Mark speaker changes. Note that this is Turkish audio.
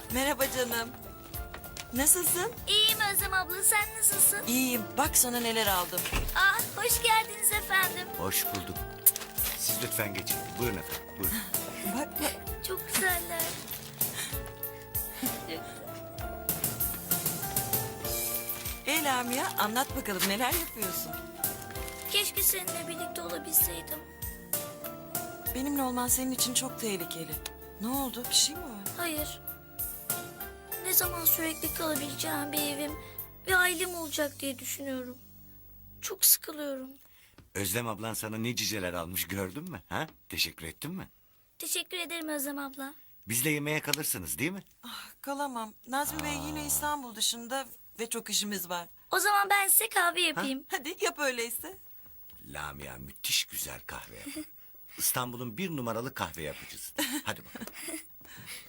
Speaker 1: Merhaba canım. Nasılsın?
Speaker 2: İyiyim Özlem abla, sen nasılsın?
Speaker 1: İyiyim. Bak sana neler aldım.
Speaker 2: Ah, hoş geldiniz efendim.
Speaker 3: Hoş bulduk. Siz lütfen geçin. Buyurun efendim. Buyurun.
Speaker 1: Bak bak.
Speaker 2: Çok güzeller.
Speaker 1: Lamia anlat bakalım neler yapıyorsun?
Speaker 2: Keşke seninle birlikte olabilseydim.
Speaker 1: Benimle olman senin için çok tehlikeli. Ne oldu? Bir şey mi var?
Speaker 2: Hayır. Ne zaman sürekli kalabileceğim bir evim ve ailem olacak diye düşünüyorum. Çok sıkılıyorum.
Speaker 3: Özlem ablan sana ne cüceler almış gördün mü? Ha? Teşekkür ettin mi?
Speaker 2: Teşekkür ederim Özlem abla.
Speaker 3: Bizle yemeğe kalırsınız değil mi?
Speaker 1: Kalamam. Nazmi Bey yine İstanbul dışında ve çok işimiz var.
Speaker 2: O zaman ben size kahve yapayım.
Speaker 1: Hadi yap öyleyse.
Speaker 3: Lamia müthiş güzel kahve yapar. İstanbul'un 1 numaralı kahve yapıcısı. Hadi bakalım.